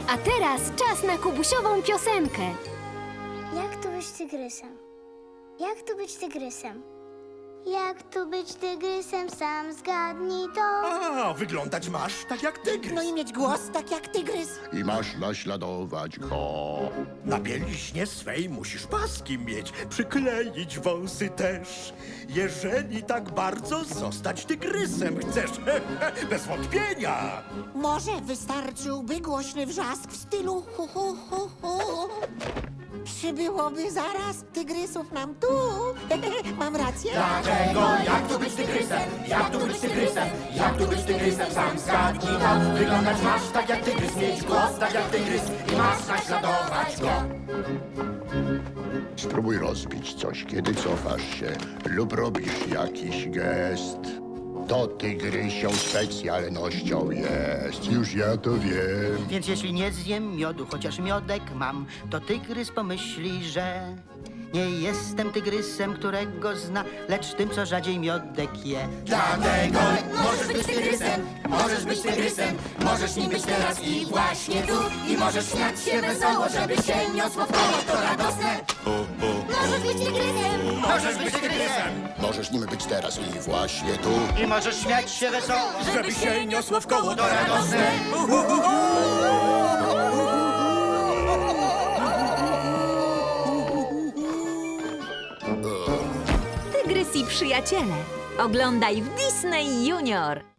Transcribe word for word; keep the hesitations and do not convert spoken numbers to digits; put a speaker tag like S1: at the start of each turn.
S1: A teraz czas na kubusiową piosenkę.
S2: Jak tu być tygrysem? Jak tu być tygrysem? Jak tu być tygrysem, sam zgadnij to.
S3: A, wyglądać masz tak jak tygrys.
S4: No i mieć głos tak jak tygrys.
S5: I masz naśladować go.
S3: Na bieliźnie swej musisz paski mieć, przykleić wąsy też. Jeżeli tak bardzo zostać tygrysem chcesz, bez wątpienia.
S4: Może wystarczyłby głośny wrzask w stylu hu hu hu hu. Przybyłoby zaraz tygrysów nam tu. Mam rację?
S6: Dlaczego? Jak tu być tygrysem? Jak tu być tygrysem? Jak tu być tygrysem? Sam zgadnij to. Wyglądać masz tak jak tygrys, mieć głos tak jak tygrys i masz naśladować go.
S5: Spróbuj rozbić coś, kiedy cofasz się lub robisz jakiś gest. To tygrysią specjalnością jest, już ja to wiem.
S7: Więc jeśli nie zjem miodu, chociaż miodek mam, to tygrys pomyśli, że nie jestem tygrysem, którego zna, lecz tym, co rzadziej miodek je.
S6: Dlatego możesz być tygrysem, możesz być tygrysem, możesz nim być teraz i właśnie tu. I możesz śmiać się wesoło, żeby się niosło w koło, to radosne.
S2: Możesz być tygrysem!
S3: Możesz być tygrysem,
S5: Możesz nim być teraz i właśnie tu.
S7: I możesz śmiać się wesoło.
S3: żeby się niosło w koło, to radosne.
S1: Tygrys i przyjaciele. Oglądaj w Disney Junior.